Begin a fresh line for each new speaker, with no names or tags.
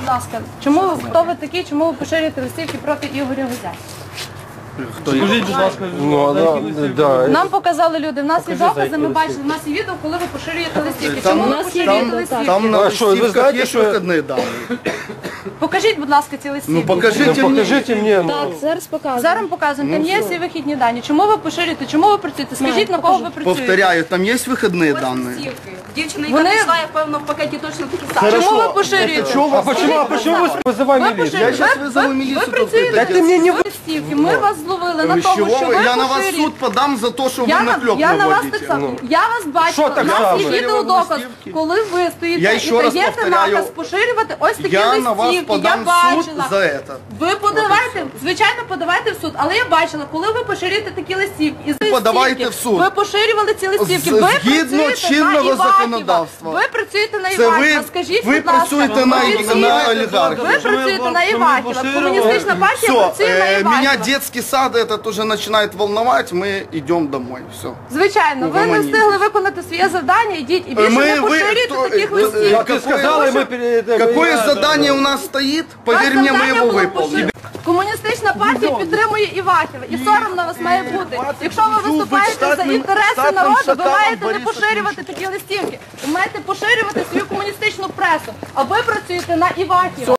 будь ласка, хто ви такі, чому ви поширюєте листівки проти Ігоря Гузя?
Скажіть, будь ласка,
Нам показали люди, в нас є докази, ми бачили, в нас є відео, коли ви поширюєте листівки. Чому ви поширюєте листівки?
Там на листівках є вихідні дані.
Покажіть, будь ласка, ці листівки.
Ну покажіть мені.
Так, зараз показуємо.
Зараз показуємо, там є всі вихідні дані. Чому ви поширюєте, чому ви працюєте? Скажіть, на кого ви працюєте?
Повторяю, там є вихідні дані.
Дівчина, яка знайшла, я певно, в пакеті точно такі самі.
Чому ви поширюєте?
а почему вы вызываете милицию?
Я зараз визову міліцію.
Ви працюєте
Дайте мені не
листівки, ми вас зловили на
З
тому,
чого
що
ви?
ви
Я на вас
поширюєте.
суд подам за те, що ви наклеп
Я на вас так
наводите.
само. Я вас бачила,
Що так
у нас є
само?
відеодоказ, коли ви стоїте
Я
і
ще раз
даєте
повторяю,
наказ поширювати ось такі
Я на вас
листівки. Я
подам суд
бачила.
за це.
Ви подавайте, звичайно, подавайте в суд, але я бачила, коли ви поширюєте такі листівки, і ці
Подавайте
листівки,
в суд.
ви поширювали ці листівки, ви
Згідно
працюєте
чинного
на Івахіва.
законодавства.
Ви працюєте на
Це
Івахіва, скажіть,
ви
будь ласка.
працюєте на олігархів.
Ви працюєте на Івахіва, комуністична партія працює на
Все, меня
Івахіва.
детский сад этот уже начинает волновать, мы идем домой, все.
Звичайно, ви не
Угомоніться.
встигли виконати своє завдання, ідіть і більше не поширюйте таких листівок.
Как ты сказала, и мы
Какое задание у нас стоит, поверь мне, мы его выполним.
Комуністична партія підтримує Івахіва. І соромно вас має бути. Якщо ви виступаєте за інтереси народу, ви маєте не поширювати такі листівки. Ви маєте поширювати свою комуністичну пресу. А ви працюєте на Івахіва.